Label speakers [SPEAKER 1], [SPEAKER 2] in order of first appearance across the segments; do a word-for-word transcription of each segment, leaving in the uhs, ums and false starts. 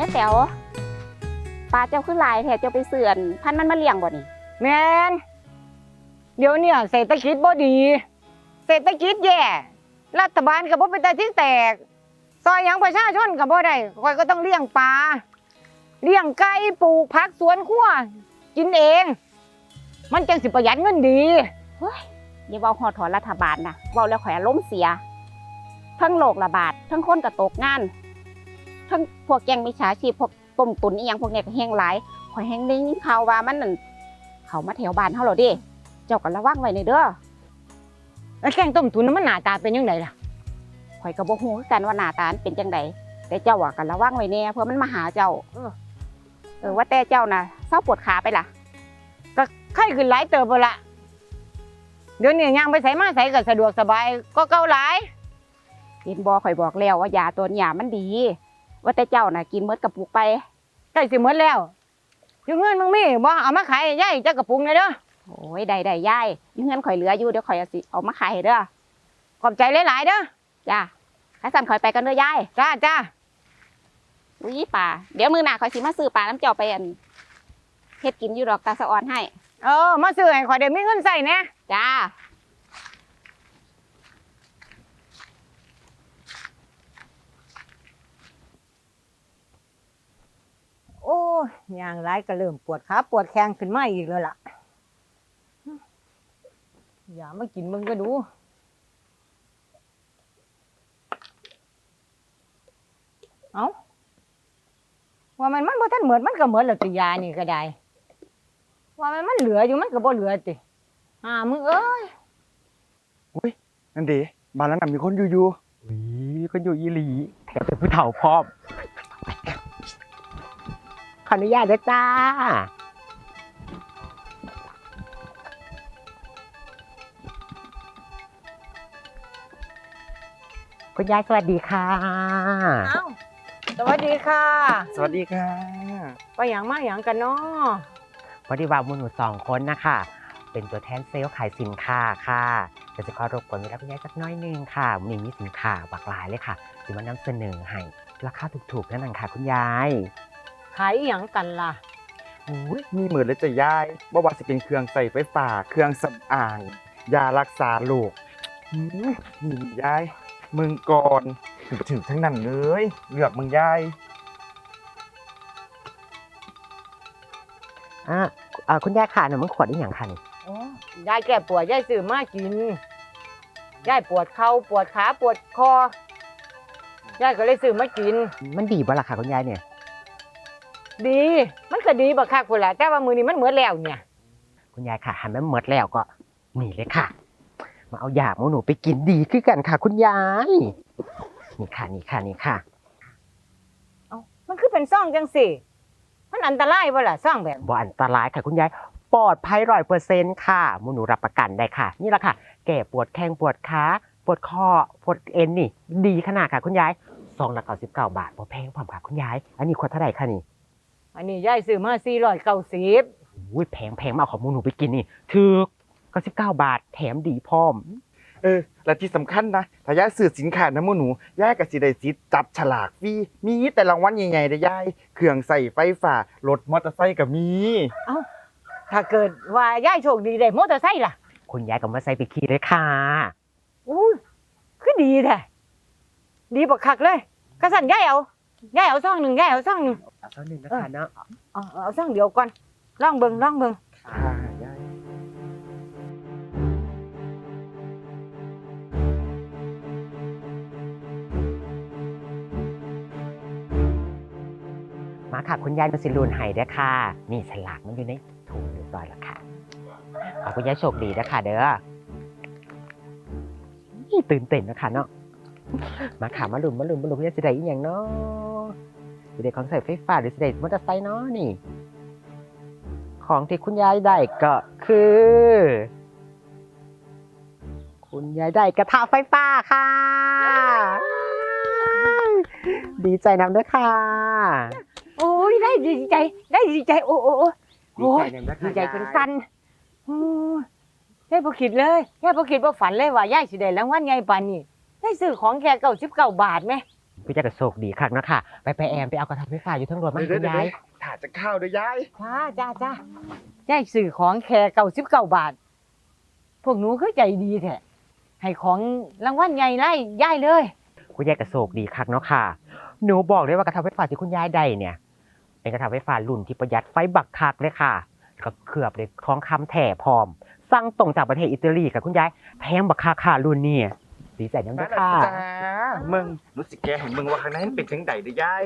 [SPEAKER 1] ม่แต๋วปลาเจ้าขึ้นลายแท้เจ้าไปเสื่อนพันมันมาเลี้ยงบ่นี่
[SPEAKER 2] แมนเดี๋ยวเนี่ยเศรษฐกิจบ่ดีเศรษฐกิจแย่รัฐบาลก็บ่เป็นตาที่แตกซอยหยังประชาชนก็บ่ได้ข่อยก็ต้องเลี้ยงปลาเลี้ยงไก่ปลูกผักสวนครัวกินเอง มันจังสิประหยัดเงินดี
[SPEAKER 1] เฮ้ยอย่าเว้าฮอดถอนรัฐบาลนะเว้าแล้วข่อยอารมณ์เสียทั้งโรคระบาดทั้งคนก็ตกงานทั้งพวกแก๊งมิจฉาชีพพวกต้มตุ๋นอีหยังพวกเนี้ยก็แห้งหลายข่อยแห้งได้ยินข่าวว่ามันนั่นเขามาแถวบ้านเฮาแล้วเด้เจ้าก็ระวังไว้ในเด้อ
[SPEAKER 2] แล้วแกงต้มตุ๋นมันหน้าตาเป็นยังไงล่ะ
[SPEAKER 1] ข่อยก็บ่ฮู้คือกันว่าหน้าตาเป็นจังไดแต่เจ้าอ่ะก็ระวังไว้แน่เพื่อมันมาหาเจ้าเออเออว่าแต่เจ้าน่ะเศร้าปวดขาไปล่ะ
[SPEAKER 2] ก็ไข้ขึ้นหลายเติบละเดี๋ยวนี้ย่างไปไสมาไสก็สะดวกสบายก็เก่าหลาย
[SPEAKER 1] เห็นบ่ข่อยบอกแล้วว่ายาตัวนี้มันดีว่าแต่เจ้าน่ะกินหมดกระปุกไป
[SPEAKER 2] ใกล้สิหมดแล้วอยู่เงินมึงมีบ่เอามาขายให้ยายจักกระปุกเลยเด้อ
[SPEAKER 1] โอ้ยได้ได้ยายอยู่เงินข่อยเหลืออยู่เดี๋ยวข่อยเอาสิเอามาขายให้เด้อ
[SPEAKER 2] ขอบใจหลายๆเด้อ
[SPEAKER 1] จ้าถ้าสั่นข่อยไปกันเด้อยาย
[SPEAKER 2] จ้าจ้า
[SPEAKER 1] อุ้ยป่าเดี๋ยวมื้อหน้าข่อยสิมาซื้อปลาน้ำเจ้าไปอันเฮ็ดกินอยู่ดอกตาสะออนให้
[SPEAKER 2] เออมาซื้อให้ข่อยได้มีเงินใช้แน่
[SPEAKER 1] จ้า
[SPEAKER 2] โอ้ยย่างหลายก็เริ่มปวดขาปวดแข้งขึ้นมาอีกแล้วล่ะอย่ามากินมึงก็ดูเอ้าว่ามันมันบ่ทันเหมือนมันก็เหมือนแล้วติยานี่ก็ได้ว่ามันมันเหลืออยู่มันก็บ่เหลือติอ่ามึงเอ้ย
[SPEAKER 3] อุ้ยนั่นดิบ้านนั้นมีคนอยู่อยู่อุ้ยคนอยู่อีหลีแถมเป็นผู้เฒ่าพร้อมขออนุญาตด้วยจ้าคุณยายสวัสดีค่ะ
[SPEAKER 2] อ้าวสวัสดีค่ะ
[SPEAKER 3] สวัสดีค่ะ
[SPEAKER 2] ไปหยังมาหยังกันเนาะ
[SPEAKER 3] พอดีว่ามูหนูสองคนนะคะเป็นตัวแทนเซลล์ขายสินค้าค่ะจะจะขอรบกวนเวลาคุณยายสักน้อยนึงค่ะมีมีสินค้าหลากหลายเลยค่ะจะมานำเสนอให้ราคาถูกๆนั่นเองค่ะคุณยาย
[SPEAKER 2] ขายหยังกันล่ะ
[SPEAKER 3] อุ้ยมีเหมือนเลยจะยายว่าว่าจะเป็นเครื่องใส่ไฟฟ้าเครื่องสำอางยารักษาโรคนี่ยายมึงก่อนถึงถึงทั้งนั้นเลยเลือกมึงยายอ่าคุณยายค่ะหนูมึงขวดได้อย่างค่ะนี่
[SPEAKER 2] ยายแก้ปวดยายซื้อมากินยายปวดเข่าปวดขาปวดคอยายก็เลยซื้อมากิน
[SPEAKER 3] มันดีบ่ล่ะค่ะคุณยายเนี่ย
[SPEAKER 2] ดีมันก็ดีบักคักพุ่นล่ะแต่ว่ามื้อนี้มันหมดแล้วเนี่ย
[SPEAKER 3] คุณยายค่ะหันมันหมดแล้วก็นี่เลยค่ะมาเอายาหมูหนูไปกินดีขึ้นกันค่ะคุณยายนี่ค่ะนี่ค่ะนี่ค่ะ
[SPEAKER 2] เอ้ามันคือเป็นซ่องจังสิมันอันตรายบ่ล่ะซ่องแบบ
[SPEAKER 3] บ่อันตรายค่ะคุณยายปลอดภัยร้อยเปอร์เซ็นต์ค่ะหมูหนูรับประกันได้ค่ะนี่แหละค่ะแก้ปวดแข้งปวดขาปวดคอปวดเอ็นนี่ดีขนาดค่ะคุณยายซองละเก้าสิบเก้าบาทบ่แพงพร้อมค่ะคุณยายอันนี้ขวดเท่าไหร่คะนี่
[SPEAKER 2] อันนี้ยายซื้อมาสี่ร้อยเก้าสิบ
[SPEAKER 3] อุ้ยแพงแพงมาเอาของหมูหนูไปกินนี่ถูกเก้าสิบเก้าบาทแถมดีพร้อมเออและที่สำคัญนะถ้ายายซื้อสินค้านะหมูหนูยายก็สิได้สิทธิ์จับฉลากฟรีมีแต่รางวัลใหญ่ๆเด้อยายเครื่องใส่ไฟฟ้ารถมอเตอร์ไซค์ก็มี
[SPEAKER 2] เอ้าถ้าเกิดว่ายายโชคดีได้มอเตอร์ไซค์ล่ะ
[SPEAKER 3] คุณยายก็มาใส่ไปขี่เลยค่ะ
[SPEAKER 2] อุ้ยคือดีแท้ดีบักคักเลยกระสั่นยายเอายายเอาซองหนึ่งยายเอาซองหนึ่ง
[SPEAKER 3] เอาซองหนึ่งนะคะเนาะ
[SPEAKER 2] เอาเอาซองเดียวก่อนลองเบิ่งลองเบิ่ง
[SPEAKER 3] ค่ะยายมาค่ะคุณยายมาสิรูนไห้ด้วยค่ะนี่ฉลากมันอยู่ในถุงเรียบร้อยแล้วค่ะขอคุณยายโชคดีนะคะเด้อนี่ตื่นเต้นนะคะเนาะมาค่ะมาลุ้นมาลุ้นมาลุ้นคุณยายสิได้อีกอย่างเนาะสิได้ของใส่ไฟฟ้าหรือสิได้มอเตอร์ไซค์เนาะนี่ของที่คุณยายได้ก็คือคุณยายได้กระทะไฟฟ้าค่ะดีใจนำด้วยค่ะ
[SPEAKER 2] โอ้ยได้ดีใจได้ดีใจโอ้โอ้โอ้ดีใจเป็นกันโอ้ยายบ่คิดเลยยายบ่คิดบ่ฝันเลยว่ายายสิได้รางวัลใหญ่ปานนี้ได้ซื้อของแค่เก้าสิบเก้าบาทแม่
[SPEAKER 4] คุณยายก็โชคดีคักเนาะค่ะไปไปแอมไปเอากระทะไฟฟ้าอยู่เทั้งรถมาให้คุณยาย
[SPEAKER 3] ถ้าจะเข้าเด้อยาย
[SPEAKER 2] จ้าจ้าจ้ายายซื้อของแค่เก้าสิบเก้าบาท พวกหนูคือใจดีแท้ให้ของรางวัลใหญ่ไล่ยายเลย
[SPEAKER 4] คุณยายก็โชคดีคักเนาะค่ะหนูบอกเลยว่ากระทะไฟฟ้าที่คุณยายได้เนี่ยเป็นกระทะไฟฟ้ารุ่นที่ประหยัดไฟบักคักเลยค่ะก็เคลือบด้วยทองคำแท้พร้อมสั่งตรงจากประเทศอิตาลีค่ะคุณยายแพงบักคักค่ะรุ่นนี้ดีใจน้ำเด้อค่ะ
[SPEAKER 3] จ้ามึงรู้สึกแกเห็นมึงว่าข้างในมันเป็นจังไดเด้อยาย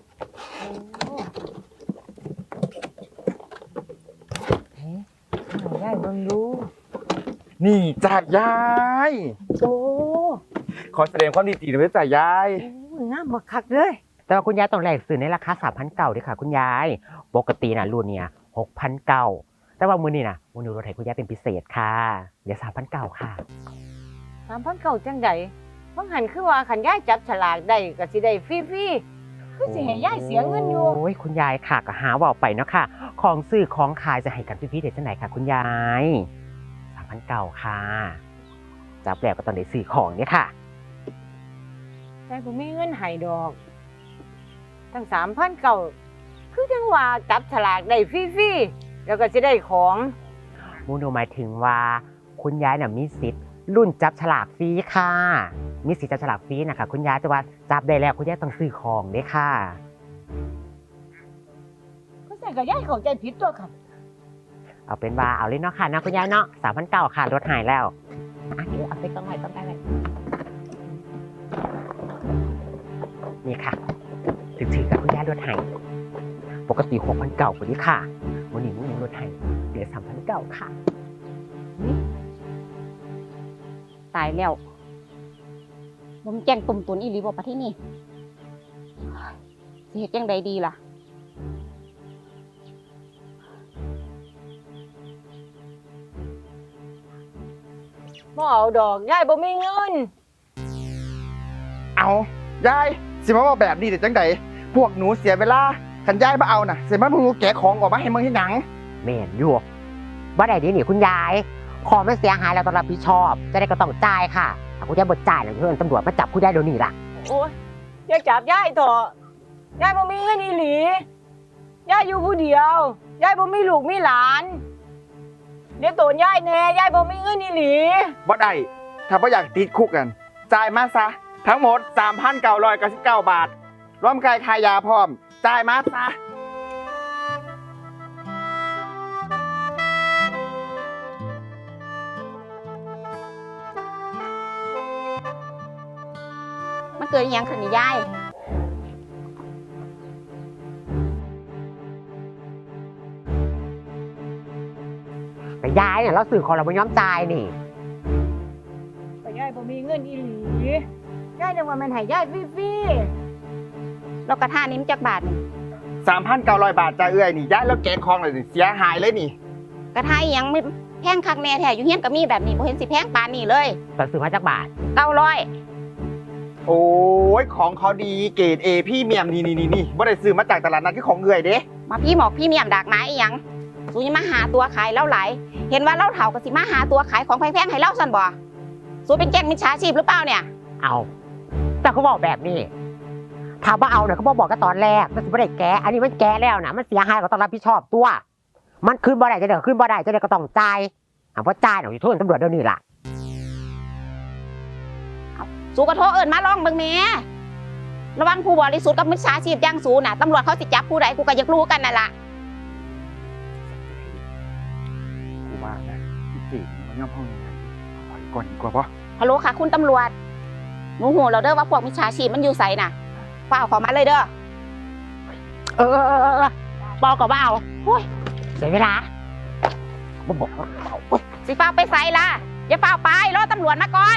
[SPEAKER 2] เฮ้ยเอายายเบิ่งดู
[SPEAKER 3] นี่จ้ายาย
[SPEAKER 2] โอ้
[SPEAKER 3] ขอแสดงความดีใจด้วยจ้ายาย
[SPEAKER 2] โอ้ยงามบักคักเลย
[SPEAKER 4] แต่ว่าคุณยายต้องแลกซื้อในราคาสามพันเก้าด้วยค่ะคุณยายปกติน่ะรุ่นเนี่ยหกพันเก้าแต่ว่ามื้อนี้น่ะมื้อนี้รถไถคุณยายเป็นพิเศษค่ะเดี๋ยวสามพันเก้าค่ะ
[SPEAKER 2] สามพันเก้าจังใดบางหันคือว่าขันยายจับฉลากได้ก็สิได้ฟรีๆคือสิให้ยายเสียเงินอยู่
[SPEAKER 4] โอ้ยคุณยายค่ะก็หาเว่าไปเนาะค่ะของซื้อของขายจะให้กันพี่ๆเด็ดจังไหนค่ะคุณยายสามพันเก้าค่ะจับแล้วก็ต้องได้ซื้อของเนี่ยค่ะ
[SPEAKER 2] ยายบ่มีเงินให้ดอก ทั้งสามพันเก้าคือจังว่าจับฉลากได้ฟรีๆแล้วก็สิได้ของ
[SPEAKER 4] มูโนหมายถึงว่าคุณยายน่ะมีสิทธิ์รุ่นจับฉลากฟรีค่ะ มีสิทธิ์จับฉลากฟรีนะคะคุณยายแต่ว่าจับได้แล้วคุณยายต้องซื้อของเด้ค่ะ
[SPEAKER 2] ก็ใส่กับยายเข้าใจผิดตัวค่ะ
[SPEAKER 4] เอาเป็นว่าเอาเลยเนาะค่ะนะคุณยายเนาะสามพันเก้าค่ะรถหายแล้วอ่ะเดี๋ยวเอาไปต้องไหนต้องได้เลยนี่ค่ะถือถือกับคุณยายรถหายปกติหกพันเก้าคนนี้ค่ะวันนี้มูรถหายเหลือสามพันเก้าค่ะ
[SPEAKER 1] ตายแล้วบ่มแจ้งตุ่มตุนอีหลีบ่ประเทศนี้สิเฮ็ดจังใดดีล่ะ
[SPEAKER 2] บ่เอาดอกยายบ่มีเงิน
[SPEAKER 3] เอายายสิมาว่าแบบนี้แต่จังไดพวกหนูเสียเวลาคันยายมาเอาน่ะเสียมาพวกหนูแกะของออกมาให้มึงที่หนัง
[SPEAKER 4] แม่นอยู่บ่ได้เดีนี่คุณยายของมันเสียหายแล้วต้องรับผิดชอบ จะได้ก็ต้องจ่ายค่ะถ้าคุณยายบ่จ่ายแล้วเพื่อนตำรวจมาจับคุณยายเดี๋ยวนี้ล่ะ
[SPEAKER 2] โอ้ยอย่าจับยายเถอะยายบ่มีเงินอีหลียายอยู่ผู้เดียวยายบ่มีลูกมีหลานเดี๋ยวโตนยายแน่ยายบ่มีเงินอีหลี
[SPEAKER 3] บ่ได้ถ้าบ่อยากติดคุกกันจ่ายมาซะทั้งหมด สามพันเก้าร้อยเก้าสิบเก้า บาทรวมค่าขายยาพร้อมจ่ายมาซะ
[SPEAKER 1] มันเกิดอหยังขึ้นนี่ยาย
[SPEAKER 4] แต่ยายเนี่ยเราสื่อของเราไม่ยอมจ่ายนี่
[SPEAKER 2] ก็ยายบ่มีเงินอีหลียายนึกว่ามันให้ยายฟรี
[SPEAKER 1] แล้วกระทะนี้มันจักบาทนี่
[SPEAKER 3] สามพันเก้าร้อย บาทจ่ายเอื้อยนี่ยายแล้วแกะของเลยนี่เสียหายเลยนี่
[SPEAKER 1] กระทะอีหยังไม่แพงคักแน่แท้อยู่เฮียนก็มีแบบนี้บ่เห็นสิแพงปานนี้เลย
[SPEAKER 4] ตอนซื้อมาจากบาท
[SPEAKER 1] เก้าร้อย
[SPEAKER 3] โอ้ยของเขาดีเกรดเอพี่เมียมนี่นี่นี่นี่บ่ได้ซื้อมาจากตลาดนัดคือของเอื้อยเด้
[SPEAKER 1] มาพี่หมอกพี่เมียมดากไม้อีหยังสูยังมาหาตัวขายเล่าหลายเห็นว่าเล่าเถาก็สิมาหาตัวขายของแพงๆให้เล่าซั่นบ่สูเป็นแก๊งมิจฉาชีพหรือเปล่าเนี่ย
[SPEAKER 4] เอา แต่เขาบอกแบบนี้ถามว่าเอาเนี่ยเขาบอกบอกกันตอนแรกมันไม่ได้แก้อันนี้มันแก้แล้วนะมันเสียหายก็ต้องรับผิดชอบตัว มันขึ้นบ่ได้จะเดี๋ยวขึ้นบ่ได้จะเดี๋ยวก็ต้องจ่ายอ่ะเพราะจ่ายหน่อยโทษตำรวจเดี๋ยวนี้ล่ะ
[SPEAKER 1] สูกระโทษเอิญมาลองเบิ่งแหม่ระวังผู้บริสุทธิ์กับมิจฉาชีพอย่างสูน่ะตำรวจเขาสิจับผู้ใดกูก็อยากรู้กันนั่นล่ะ
[SPEAKER 3] กูว่านะพี่เจ๋งมันย่อมห้องยังไงขออีกก่อนดีกว่าปะ
[SPEAKER 1] ฮัลโหลค่ะคุณตำรวจหนูหูเราเด้อว่าพวกมิจฉาชีพมันอยู่ไสน่ะฝ้าวเขอมาเลยเด้อ
[SPEAKER 4] เออเออเออเออบอกกับว่าเอาโอ้ยเสียเวลาบ่บอกว่าเอาโอ๊ย
[SPEAKER 1] สิฝ้าวไปไสล่ะอย่าฝ้าวไปรอตำรวจมาก่อน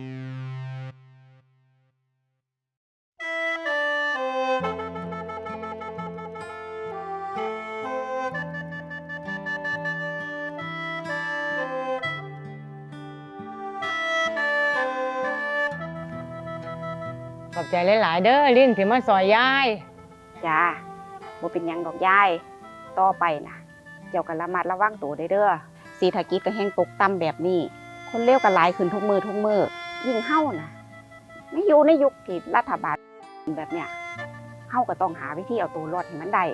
[SPEAKER 2] ๆขอบใจหลายๆเด้อลิ้นที่มาซอยยาย
[SPEAKER 1] จ้าบ่เป็นหยังดอกยายต่อไปนะเจ้าก็ระมัดระวังตัวได้เด้อเศรษฐกิจก็แห้งตกต่ำแบบนี้ คนเลวก็หลายขึ้นทุกมือทุกมือยิ่งเฮานะไม่อยู่ในยุคที่รัฐบาลแบบเนี้ยเฮาก็ต้องหาวิธีเอาตัวรอดให้มันได้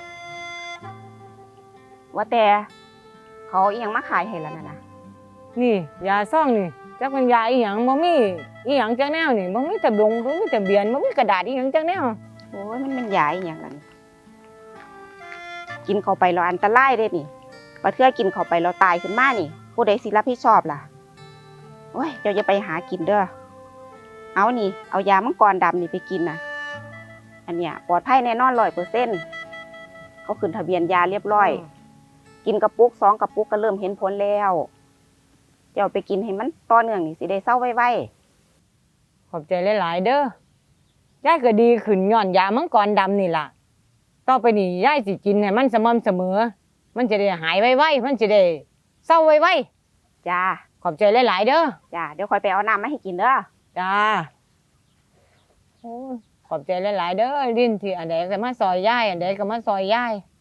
[SPEAKER 1] ว่าแต่เขาอีหยังมาขายให้แล้วนั่นน่ะ
[SPEAKER 2] นี่ยาซ่องนี่จักเป็นยาอีหยังบ่มีอีหยังจักแนวนี่บ่มีทะเบียนบ่มีทะเบียนบ่มีกระดาษอีหยังจักแนว
[SPEAKER 1] โอ้ยมันเป็นยาอีหยังล่ะนี่กินเข้าไปแล้วอันตรายเด้นี่ว่าเทื่อกินเข้าไปแล้วตายขึ้นมานี่ผู้ใดสิรับผิดชอบล่ะโอ้ยเจ้าอย่าไปหากินเด้อเอานี่เอายามังกรดำนี่ไปกินน่ะอันเนี้ยปลอดภัยแน่นอน ร้อยเปอร์เซ็นต์ เขาขึ้นทะเบียนยาเรียบร้อย กินกระปุกสองกระปุกก็เริ่มเห็นผลแล้วเจ้าไปกินให้มันต่อเนื่องนี่สิได้เศร้าไว
[SPEAKER 2] ขอบใจหลายๆเด้อยายก็ดีขึ้นย้อนยามังกรดำนี่ล่ะต่อไปนี่ยายสิกินให้มันสม่ำเสมอ มันจะได้หายไวๆมันจะได้เศร้าไว
[SPEAKER 1] ๆจ้า
[SPEAKER 2] ๆขอบใจหลายๆเด้อ
[SPEAKER 1] จ้าเดี๋ยวคอยไปเอาน้ำมาให้กินเด้อ
[SPEAKER 2] จ้าโอ้ยขอบใจหลายๆเด้อลิ้นที่อันใดก็มาซอยยายอันใดก็มาซอยยาย